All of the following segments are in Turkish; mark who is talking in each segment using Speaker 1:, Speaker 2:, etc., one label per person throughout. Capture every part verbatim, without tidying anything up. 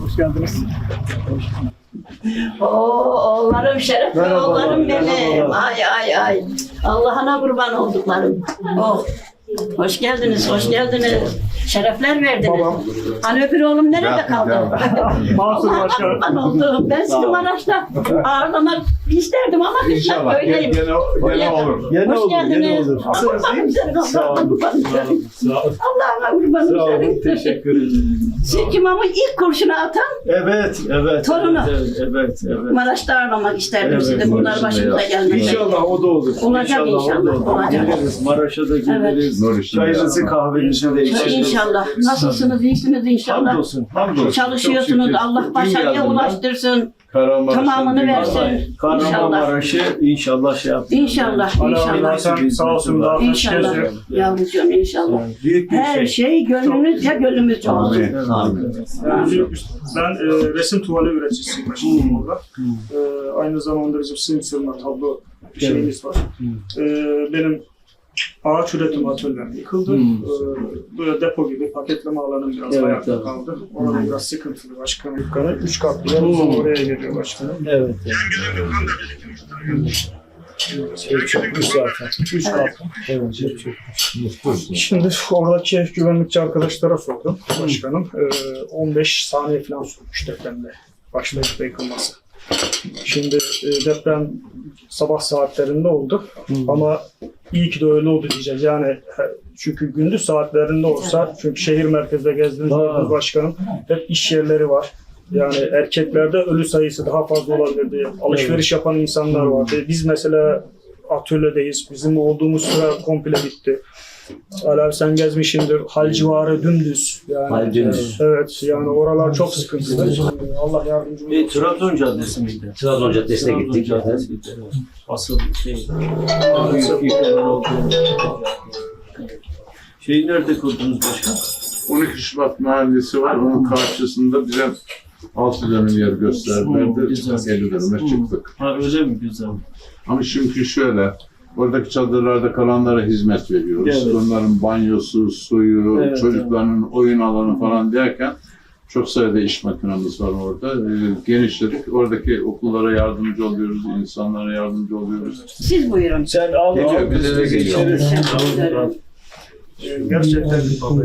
Speaker 1: Hoş geldiniz.
Speaker 2: Oo, oğullarım, şerefli
Speaker 1: Merhaba,
Speaker 2: oğullarım benim.
Speaker 1: merhaba.
Speaker 2: Ay ay ay. Allah'ına kurban olduklarım. Oh. Hoş geldiniz, hoş geldiniz. Şerefler verdiniz.
Speaker 1: Babam.
Speaker 2: Hani öbür oğlum nerede kaldı?
Speaker 1: Mansur Başkan.
Speaker 2: Kurban oldum. Ben sizi Maraş'ta ağırlamak isterdim ama
Speaker 3: İnşallah.
Speaker 2: öyleyim.
Speaker 3: Gene, gene olur.
Speaker 1: Gene
Speaker 2: Hoş
Speaker 1: olur, gene
Speaker 2: geldiniz.
Speaker 1: olur.
Speaker 2: Kurbanım senin,
Speaker 1: Sağ
Speaker 2: Allah'ına
Speaker 1: olun.
Speaker 2: kurbanım
Speaker 1: Sağ
Speaker 2: senin.
Speaker 1: olun. Sağ olun.
Speaker 2: Allah'ına kurbanım
Speaker 1: Sağ olun.
Speaker 2: senin.
Speaker 1: Teşekkür ederim.
Speaker 2: Siz imamın ilk kurşunu atan
Speaker 1: Evet, evet.
Speaker 2: Torunu.
Speaker 1: Evet, evet, evet.
Speaker 2: Maraş'ta ağırlamak isterdim
Speaker 1: Evet,
Speaker 2: sizi. Bunlar
Speaker 3: Maraş'ın
Speaker 2: başımıza
Speaker 3: da
Speaker 2: gelmedi.
Speaker 1: İnşallah o da olur.
Speaker 2: Olacak
Speaker 1: o da
Speaker 2: inşallah,
Speaker 1: olur.
Speaker 2: olacak.
Speaker 1: Geliriz. Maraş'a da geliriz.
Speaker 3: Nur için
Speaker 1: Çayınızı
Speaker 3: ya.
Speaker 1: kahvenizi de içeriz.
Speaker 2: İnşallah. Nasılsınız? İyisiniz inşallah.
Speaker 1: Hamdolsun, hamdolsun.
Speaker 2: Çalışıyorsunuz.
Speaker 1: Çok şükür.
Speaker 2: Allah
Speaker 1: Dün
Speaker 2: başarıya
Speaker 1: geldim ben.
Speaker 2: ulaştırsın.
Speaker 3: Kahramanmaraş'ın
Speaker 2: Tamamını
Speaker 3: bir-
Speaker 2: versin.
Speaker 1: Kahramanmaraş'ı inşallah şey yaptı.
Speaker 2: İnşallah, inşallah.
Speaker 1: Sen sağ olsun daha
Speaker 2: İnşallah. Yavrucuğum inşallah.
Speaker 1: Büyük bir
Speaker 2: Her
Speaker 1: şey.
Speaker 2: şey gönlünüzce gönlümüzce olsun.
Speaker 3: Amin. Amin.
Speaker 4: Yani büyük bir- ben e, resim tuvali üreticisiyim başkanım orada. E, aynı zamanda bizim sığım sığınma tablo şeyimiz var. E, benim ağaç üretim atölyem yıkıldı.
Speaker 1: Hmm.
Speaker 4: E, böyle depo gibi paketleme alanım biraz
Speaker 1: Evet,
Speaker 4: ayakta
Speaker 1: evet.
Speaker 4: kaldı. Orada biraz sıkıntılı başkanım. Dükkanı üç katlı yer uzun oraya geliyor başkanım.
Speaker 1: Evet. Şey çökmüş zaten.
Speaker 4: Üç katlı.
Speaker 1: Evet, şey çökmüş.
Speaker 4: Şimdi oradaki güvenlikçi arkadaşlara sordum başkanım. E, on beş saniye falan sürmüş depremde başlayıp da yıkılması. Şimdi e, deprem sabah saatlerinde oldu ama iyi ki de öyle oldu diyeceğiz. Yani he- çünkü gündüz saatlerinde olsa, çünkü şehir merkezde gezdiğiniz
Speaker 1: Ha.
Speaker 4: gördünüz başkanım, hep iş yerleri var. Yani erkeklerde ölü sayısı daha fazla olabilirdi. Alışveriş yapan insanlar vardı. Biz mesela atölyedeyiz. Bizim olduğumuz süre komple bitti. Alev sen gezmişsindir. Hal civarı dümdüz. Yani,
Speaker 5: Hal dümdüz.
Speaker 4: Evet yani oralar çok sıkıntılı. Allah yardımcımız
Speaker 1: Bir
Speaker 4: olsun.
Speaker 1: Trabzon Caddesi miydi?
Speaker 5: Trabzon Caddesi'ne
Speaker 1: Trabzon
Speaker 5: gittik.
Speaker 1: Caddesi'ydi, evet. Asıl şey. Büyük yıkımlar olduğu. Şeyi nerede kurdunuz başkan?
Speaker 3: on iki Şubat mahallesi var. Onun karşısında bize altı dönüm yer
Speaker 1: Hmm,
Speaker 3: gösterdiler.
Speaker 1: güzel.
Speaker 3: elli dönüme
Speaker 1: Hmm.
Speaker 3: çıktık.
Speaker 1: Ha öyle mi? Güzel.
Speaker 3: Ama çünkü şöyle, oradaki çadırlarda kalanlara hizmet veriyoruz.
Speaker 1: Evet.
Speaker 3: Onların banyosu, suyu,
Speaker 1: Evet,
Speaker 3: çocukların oyun alanı falan derken çok sayıda iş makinamız var orada. Ee, genişledik. Oradaki okullara yardımcı oluyoruz, insanlara yardımcı oluyoruz.
Speaker 2: Siz buyurun.
Speaker 1: Sen al.
Speaker 3: Geliyor,
Speaker 1: al,
Speaker 3: bize de
Speaker 1: biz
Speaker 3: geliyor.
Speaker 1: içeriz.
Speaker 2: Teşekkür ederim.
Speaker 4: Ee, Gerçekten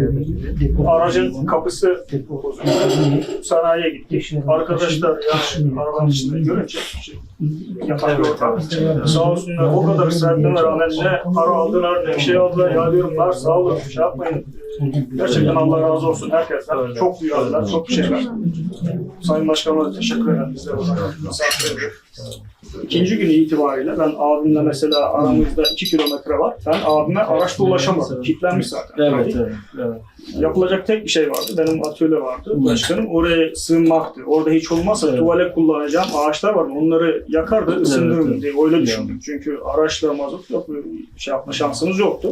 Speaker 4: aracın kapısı bozuldu. Sanayiye gittik. Arkadaşlar yani arabanın içinde görünce şey, yatak bir ortam. Sağ olsunlar o kadar ısrarlarına rağmen ne para aldılar ne bir şey aldılar. Ya diyorum var sağ olun şey yapmayın. Gerçekten Allah razı olsun herkesten. Çok duyarlılar, çok bir şeyler. Sayın Başkanıma da teşekkür ederim. Bize misafir edip. İkinci gün itibariyle ben abimle mesela aramızda iki kilometre var. Ben abime araçla ulaşamadım. Kilitlenmiş zaten.
Speaker 1: Evet, evet, evet.
Speaker 4: Yapılacak tek bir şey vardı. Benim atölye vardı. Başkanım oraya sığınmaktı. Orada hiç olmazsa
Speaker 1: Evet.
Speaker 4: tuvale kullanacağım ağaçlar vardı. Onları yakardı, ısındırırım
Speaker 1: Evet,
Speaker 4: diye öyle düşündüm. Çünkü araçla mazot yok, şey yapma şansımız yoktu.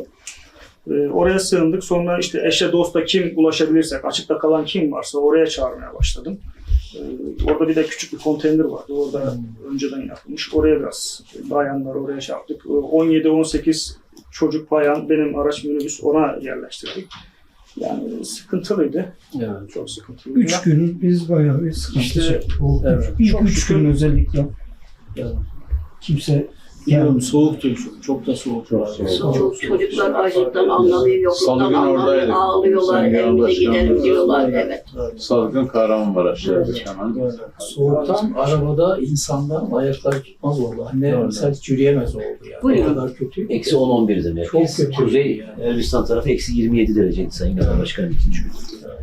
Speaker 4: Ee, oraya sığındık. Sonra işte eşe dosta kim ulaşabilirsek, açıkta kalan kim varsa oraya çağırmaya başladım. Ee, orada bir de küçük bir konteyner vardı. Orada
Speaker 1: Hmm.
Speaker 4: önceden yapılmış. Oraya biraz bayanlar oraya şey yaptık. Ee, on yedi on sekiz çocuk bayan benim araç minibüs ona yerleştirdik. Yani sıkıntılıydı.
Speaker 1: Evet.
Speaker 4: Çok sıkıntılıydı.
Speaker 6: Üç gün biz bayağı bir sıkıntı
Speaker 4: İşte,
Speaker 6: çektik. O
Speaker 1: evet.
Speaker 6: İlk
Speaker 4: Çok
Speaker 6: üç
Speaker 4: şükür.
Speaker 6: gün özellikle
Speaker 1: Evet.
Speaker 6: kimse
Speaker 1: Biliyorum soğuktu çok, çok da soğuk var.
Speaker 2: Çok çocuklar açlıktan anlamıyor,
Speaker 3: Salı
Speaker 2: yokluktan
Speaker 3: günü
Speaker 2: anlamıyor,
Speaker 3: oradaydık.
Speaker 2: ağlıyorlar,
Speaker 3: Sayın Genel
Speaker 2: evimize gidelim
Speaker 3: Başkanımız.
Speaker 2: diyorlar. Evet.
Speaker 3: Salgın Kahramanmaraş'taydık hemen.
Speaker 6: soğuktan arabada insanlar ayakları tutmaz oldu. Anne
Speaker 1: Doğru.
Speaker 6: mesela hiç yürüyemez oldu yani.
Speaker 2: Buyurun.
Speaker 6: O kadar kötü.
Speaker 5: Eksi on on bir'de merkez.
Speaker 6: Çok kötü.
Speaker 5: Kuzey
Speaker 6: Yani.
Speaker 5: Elbistan tarafı eksi yirmi yedi dereceydi Sayın Genel Başkanım ikinci gün.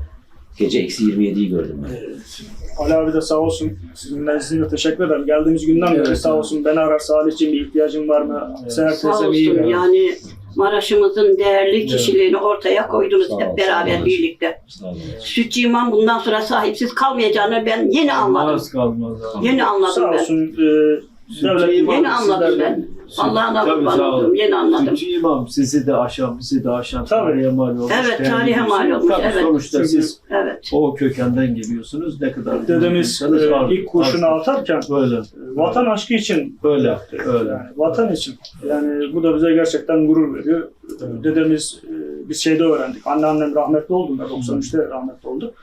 Speaker 5: Gece eksi yirmi yedi'yi gördüm ben.
Speaker 4: Ali abi de sağ olsun. Sizinle sizinle teşekkür ederim. Geldiğimiz günden beri
Speaker 1: Evet,
Speaker 4: sağ
Speaker 1: evet.
Speaker 4: olsun. Beni arar Salih'ciğim bir ihtiyacın var mı?
Speaker 1: Evet.
Speaker 4: Seher
Speaker 2: Sağ
Speaker 4: teyzem iyi
Speaker 2: olsun
Speaker 4: mi?
Speaker 2: yani Maraş'ımızın değerli kişiliğini ortaya koydunuz
Speaker 5: Sağ
Speaker 2: hep
Speaker 5: olsun.
Speaker 2: beraber
Speaker 5: Sağ
Speaker 2: birlikte.
Speaker 5: Sağ olun.
Speaker 2: Sütçü imam bundan sonra sahipsiz kalmayacağını ben yeni anladım.
Speaker 1: Az kalmaz abi.
Speaker 2: Yeni anladım
Speaker 4: Sağ
Speaker 2: ben.
Speaker 4: olsun. E, devlet
Speaker 1: İmam
Speaker 2: Yeni anladım
Speaker 1: sizlerle-
Speaker 2: ben. Allah'ına
Speaker 1: Tabii,
Speaker 2: kurban
Speaker 1: sağ olun.
Speaker 2: oldum. Yeni anladım.
Speaker 1: Sütçü imam sizi de aşan, bizi de aşan
Speaker 4: Tabii.
Speaker 1: tarihe mal olmuş.
Speaker 2: Evet,
Speaker 1: değerli
Speaker 2: tarihe
Speaker 1: bir
Speaker 2: mal
Speaker 1: şey.
Speaker 2: olmuş,
Speaker 1: Tabii,
Speaker 2: evet.
Speaker 1: sonuçta
Speaker 4: Çünkü-
Speaker 1: siz
Speaker 2: Evet.
Speaker 1: o kökenden geliyorsunuz. Ne kadar
Speaker 4: Dedemiz
Speaker 1: bilmiyorsanız
Speaker 4: e,
Speaker 1: var-
Speaker 4: ilk kurşunu
Speaker 1: var-
Speaker 4: atarken
Speaker 1: Böyle.
Speaker 4: e, vatan aşkı için
Speaker 1: Öyle.
Speaker 4: yaptı.
Speaker 1: Öyle.
Speaker 4: Yani vatan için. Yani bu da bize gerçekten gurur veriyor.
Speaker 1: Evet.
Speaker 4: Dedemiz e, biz şeyde öğrendik. Anneannem rahmetli oldu. doksan üçte rahmetli oldu.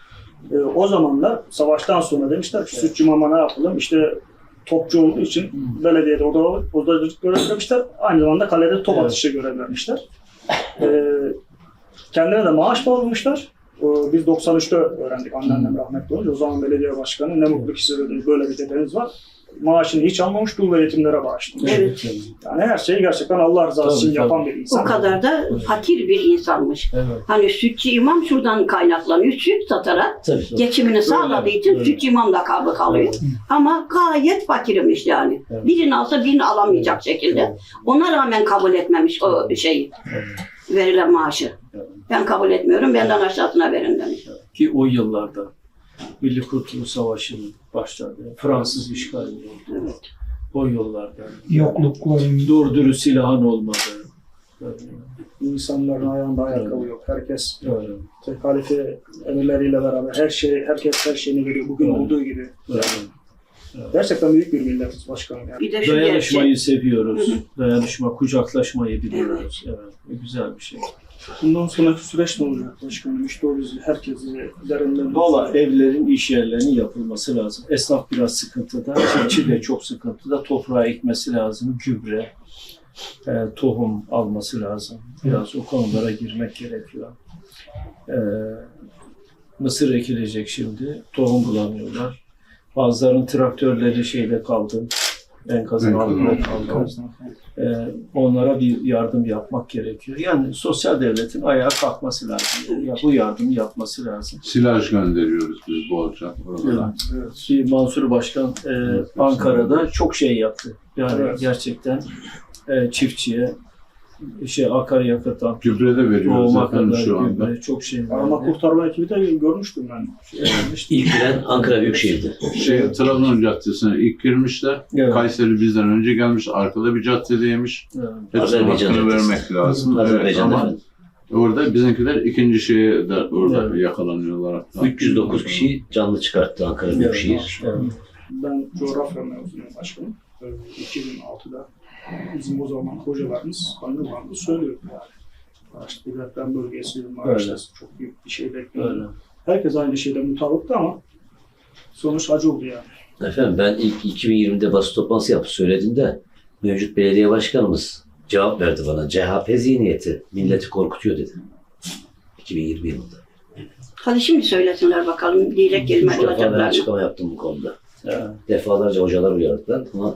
Speaker 4: E, o zamanlar savaştan sonra demişler ki sütçü mama ne yapalım? İşte topçu olduğu için belediyede oda, odacılık görev vermişler. Aynı zamanda kalede top
Speaker 6: Evet.
Speaker 4: atışı görev vermişler. E, kendilerine de maaş bağlamışlar. E, biz doksan üçte öğrendik anneannem rahmetli olunca. O zaman belediye başkanı ne mutlu ki size dedi, böyle bir dedeniz var. Maaşını hiç almamış, dul ve yetimlere bağışlamış.
Speaker 2: Evet.
Speaker 4: Yani her şeyi gerçekten Allah rızası
Speaker 6: Tabii,
Speaker 4: için
Speaker 6: tabii.
Speaker 4: yapan bir insan.
Speaker 2: O kadar da fakir bir insanmış.
Speaker 6: Evet.
Speaker 2: Hani sütçü imam şuradan kaynaklanıyor. Süt satarak
Speaker 5: Tabii.
Speaker 2: geçimini sağladığı için
Speaker 6: öyle.
Speaker 2: sütçü imam lakabı kalıyor. Ama gayet fakirmiş yani.
Speaker 6: Evet.
Speaker 2: Birini alsa birini alamayacak şekilde. Ona rağmen kabul etmemiş o şeyi. Verilen maaşı. Ben kabul etmiyorum, benden aşağısına verin demiş.
Speaker 1: Ki o yıllarda Milli Kurtuluş Savaşı'nın başladığı, Fransız işgali oldu.
Speaker 2: Evet.
Speaker 1: O yıllarda.
Speaker 7: yoklukların
Speaker 1: Doğru dürüst silahın olmadı. Öyle.
Speaker 4: İnsanların ayağında ayakkabı yok. Herkes
Speaker 1: Öyle.
Speaker 4: tek halife emirleriyle beraber her şey, herkes her şeyini veriyor. Bugün
Speaker 1: Evet.
Speaker 4: olduğu gibi.
Speaker 1: Öyle.
Speaker 4: Gerçekten büyük bir milletiz başkanım yani.
Speaker 2: Bir de şu
Speaker 1: Dayanışmayı
Speaker 2: gerçek.
Speaker 1: seviyoruz.
Speaker 2: Hı hı.
Speaker 1: Dayanışma, kucaklaşmayı biliyoruz. Evet. Bu güzel bir şey.
Speaker 4: Bundan sonraki süreç ne olacak başkanım? İşte o bizi, herkesi üzerinden...
Speaker 1: Valla evlerin, iş yerlerinin yapılması lazım. Esnaf biraz sıkıntıda, çiftçi de çok sıkıntıda. Toprağa ekmesi lazım, gübre, e, tohum alması lazım. Biraz o konulara girmek gerekiyor. E, mısır ekilecek şimdi, tohum bulamıyorlar. Bazılarının traktörleri şeyde kaldı, enkazın altında kaldı. E, onlara bir yardım yapmak gerekiyor. Yani sosyal devletin ayağa kalkması lazım. Ya, bu yardımı yapması lazım.
Speaker 3: Silaj gönderiyoruz biz bolca oralara.
Speaker 4: Evet.
Speaker 1: Ki Mansur Başkan e, Ankara'da çok şey yaptı. Yani
Speaker 4: Evet.
Speaker 1: gerçekten e, çiftçiye şey akaryakıttan
Speaker 3: Gübre de veriyoruz
Speaker 1: tohuma
Speaker 3: efendim
Speaker 1: kadar
Speaker 3: şu anda.
Speaker 1: gübre, çok şey
Speaker 4: Arama
Speaker 1: var.
Speaker 4: kurtarma ekibi de görmüştüm ben. Şey,
Speaker 5: İlk giren Ankara Büyükşehir'di.
Speaker 3: Şey, Trabzon Caddesi'ne ilk girmişler.
Speaker 1: Evet.
Speaker 3: Kayseri bizden önce gelmiş. Arkada bir caddedeymiş.
Speaker 1: Evet.
Speaker 3: Hepsine
Speaker 5: Azerbaycan
Speaker 3: hakkını
Speaker 5: Caddesi.
Speaker 3: vermek lazım. Evet,
Speaker 5: Azerbaycan'da
Speaker 3: ama
Speaker 5: efendim.
Speaker 3: orada bizimkiler ikinci şeye de orada
Speaker 1: Evet.
Speaker 3: yakalanıyorlar hatta.
Speaker 5: üç yüz dokuz kişi canlı çıkarttı Ankara Büyükşehir.
Speaker 1: Evet.
Speaker 4: Ben coğrafya mezunuyum başkanım. Ee, iki bin altıda bizim o zaman hocalarımız, kaynalarımız söylüyor yani. Maraş bir deprem bölgesi, Maraş'ta çok büyük bir şey bekliyor.
Speaker 1: Öyle.
Speaker 4: Herkes aynı şeyde mutabıktı ama sonuç acı oldu yani.
Speaker 5: Efendim ben ilk iki bin yirmide basın toplantısı yapıp söylediğimde mevcut belediye başkanımız cevap verdi bana. C H P zihniyeti milleti korkutuyor dedi. iki bin yirmi yılında.
Speaker 2: Hadi şimdi söylesinler bakalım diyecek kelime
Speaker 5: Üç defa ben
Speaker 2: olacaklar mı?
Speaker 5: açıklama yaptım bu konuda.
Speaker 1: Evet.
Speaker 5: Defalarca hocalar uyardılar ama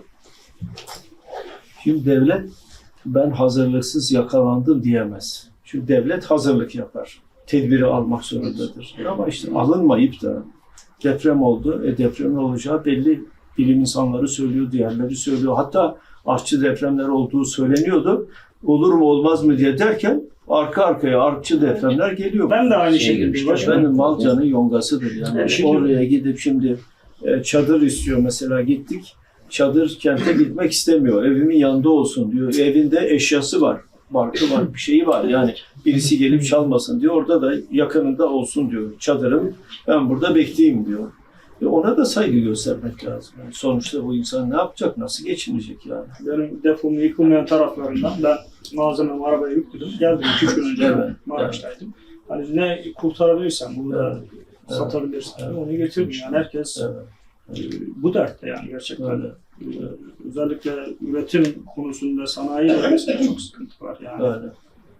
Speaker 1: Şimdi devlet ben hazırlıksız yakalandım diyemez. Çünkü devlet hazırlık yapar. Tedbiri almak zorundadır. Ama işte alınmayıp da deprem oldu. E depremin olacağı belli. Bilim insanları söylüyor, diğerleri söylüyor. Hatta artçı depremler olduğu söyleniyordu. Olur mu olmaz mı diye derken arka arkaya artçı depremler geliyor.
Speaker 4: Ben de aynı
Speaker 5: Şeye
Speaker 4: şekilde
Speaker 5: girmişler.
Speaker 4: başkanım.
Speaker 1: Benim Malca'nın yongasıdır yani.
Speaker 2: Evet.
Speaker 1: Oraya gidip şimdi e, çadır istiyor mesela gittik. Çadır kente gitmek istemiyor. Evimin yanında olsun diyor. Evinde eşyası var. Barkı var, bir şeyi var. Yani birisi gelip çalmasın diyor. Orada da yakınında olsun diyor. Çadırım ben burada bekleyeyim diyor. E ona da saygı göstermek lazım. Yani sonuçta bu insan ne yapacak? Nasıl geçinecek yani?
Speaker 4: Benim depomun yıkılmayan taraflarından ben malzememi arabaya yükledim. Geldim iki üç gün önce
Speaker 1: Evet,
Speaker 4: ben Maraş'taydım. Hani ne kurtarabilirsem bunu da
Speaker 1: Evet.
Speaker 4: satabilirsem
Speaker 1: Evet.
Speaker 4: onu getirdim. Yani herkes
Speaker 1: Evet.
Speaker 4: e, bu dertte yani gerçekten.
Speaker 1: Öyle.
Speaker 4: E, Özellikle üretim konusunda sanayi bölgesinde çok sıkıntı var yani.
Speaker 1: Öyle.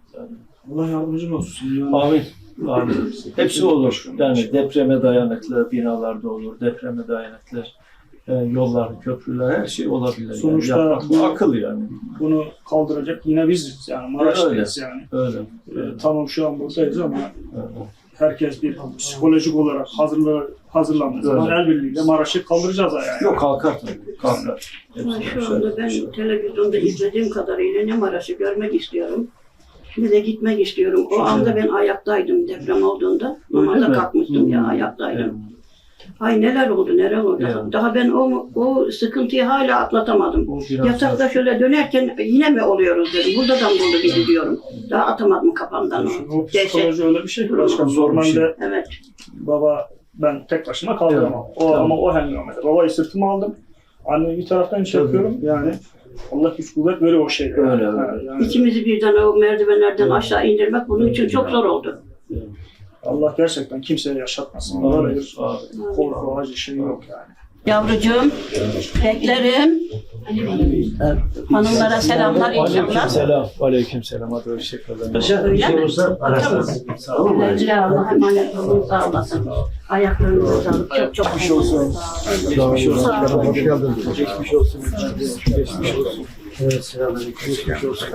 Speaker 4: Allah yardımcın olsun. Yani.
Speaker 1: Amin. Amin. Hepsi olur. Yani depreme dayanıklı binalarda olur, depreme dayanıklı e, yollar, köprüler, her şey olabilir.
Speaker 4: Sonuçta
Speaker 1: yani yapmak, bu akıl yani.
Speaker 4: Bunu kaldıracak yine biziz yani Maraş'tayız yani.
Speaker 1: Öyle.
Speaker 4: E, tamam şu an buradayız ama
Speaker 1: Öyle.
Speaker 4: herkes bir psikolojik olarak hazırla, hazırlandığı zaman el birliğiyle Maraş'ı kaldıracağız ayağa.
Speaker 1: Yok kalkar tabii. Kalkar.
Speaker 2: Ama
Speaker 1: Hepsi
Speaker 2: şu
Speaker 1: şöyle
Speaker 2: anda ben
Speaker 1: bir şey.
Speaker 2: televizyonda izlediğim kadarıyla ne Maraş'ı görmek istiyorum ne de gitmek istiyorum. O anda ben ayaktaydım deprem olduğunda.
Speaker 1: Öyle
Speaker 2: Namaza
Speaker 1: mi?
Speaker 2: kalkmıştım ya
Speaker 1: Hmm.
Speaker 2: ayaktaydım.
Speaker 1: Evet.
Speaker 2: Ay neler oldu neler oldu.
Speaker 1: Evet.
Speaker 2: Daha ben o, o sıkıntıyı hala atlatamadım.
Speaker 1: O biraz
Speaker 2: Yatakta şöyle dönerken yine mi oluyoruz dedim. Burada da mı buldu bizi diyorum. Daha atamadım kafamdan
Speaker 4: Şimdi
Speaker 2: o.
Speaker 4: o psikoloji öyle bir şey ki başkan.
Speaker 1: Zor bir şey.
Speaker 4: Normalde
Speaker 2: Evet.
Speaker 4: baba ben tek başıma kaldıramam.
Speaker 1: Evet.
Speaker 4: O,
Speaker 1: Tamam.
Speaker 4: ama o hengamede. Babayı sırtıma aldım. Anneyi bir taraftan çekiyorum. Yani Allah güç kuvvet veriyor o şeyde.
Speaker 1: Öyle,
Speaker 4: Yani.
Speaker 1: öyle.
Speaker 4: Yani
Speaker 2: İkimizi birden o merdivenlerden aşağı indirmek bunun için çok zor oldu.
Speaker 4: Allah gerçekten kimseye yaşatmasın. Daha da bir korku, acı şey yok yani.
Speaker 2: Yavrucuğum, beklerim. Hanımlara selamlar inşallah.
Speaker 1: Selam. Aleyküm selam. Hadi hoşçakalın.
Speaker 5: Paşa bir şey olursa ararsınız. Tamam mı?
Speaker 2: Güle Allah'a emanet olun, sağ olasın. Ayaklarınıza sağlık. Çok çok geçmiş olsun.
Speaker 1: Geçmiş olsun.
Speaker 2: Sağ olun.
Speaker 1: Hoş geldin. Geçmiş olsun. Geçmiş olsun. Evet, selamünaleyküm. Geçmiş olsun.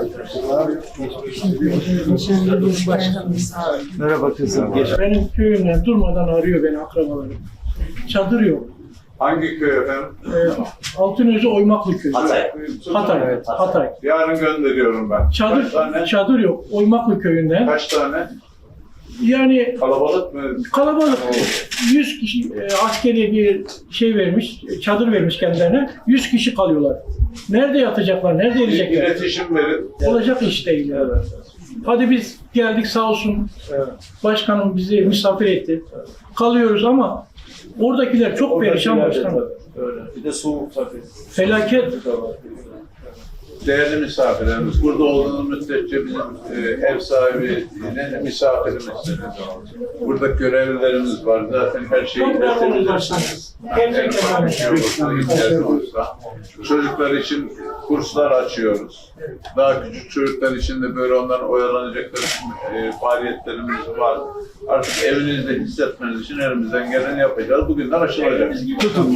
Speaker 1: Merhaba kızım. Geç.
Speaker 7: Benim köyümden durmadan arıyor beni akrabalarım. Çadır yok.
Speaker 3: Hangi köy efendim?
Speaker 7: Ee, Altınözü Oymaklı köyü.
Speaker 5: Hatay.
Speaker 7: Hatay. Hatay.
Speaker 3: Yarın gönderiyorum ben. Kaç
Speaker 7: Çadır,
Speaker 3: tane?
Speaker 7: çadır yok. Oymaklı köyünden.
Speaker 3: Kaç tane?
Speaker 7: Yani
Speaker 3: Kalabalık mı?
Speaker 7: kalabalık. yüz kişi e, askeri bir şey vermiş, çadır vermiş kendilerine. yüz kişi kalıyorlar. Nerede yatacaklar, nerede yiyecekler?
Speaker 3: İletişim verin.
Speaker 7: Olacak iş değil yani. Hadi biz geldik sağ olsun. Başkanım bizi misafir etti. Kalıyoruz ama oradakiler çok perişan başkanım.
Speaker 1: Öyle. Bir de soğuk tabii.
Speaker 7: Felaket.
Speaker 3: Değerli misafirlerimiz, burada olduğunuz müddetçe bizim e, ev sahibine misafirimiz. Burada görevlilerimiz var. Zaten her şeyi
Speaker 7: Çok memnunuz
Speaker 3: iletebilirsiniz.
Speaker 7: Gerçekten
Speaker 3: En ufak bir şey olursa, ihtiyacı olursa. Çocuklar için kurslar açıyoruz. Daha küçük çocuklar için de böyle onların oyalanacakları e, faaliyetlerimiz var. Artık evinizde hissetmeniz için elimizden geleni yapacağız. Bugünler aşılacak.
Speaker 1: Tutun.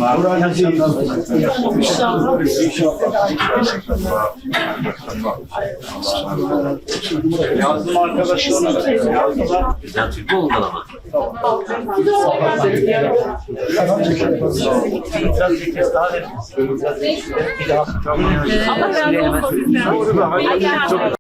Speaker 3: Yazdım arkadaşlar. Yazdılar.
Speaker 5: Güzel Türk oldu ama.
Speaker 8: Allah razı olsun.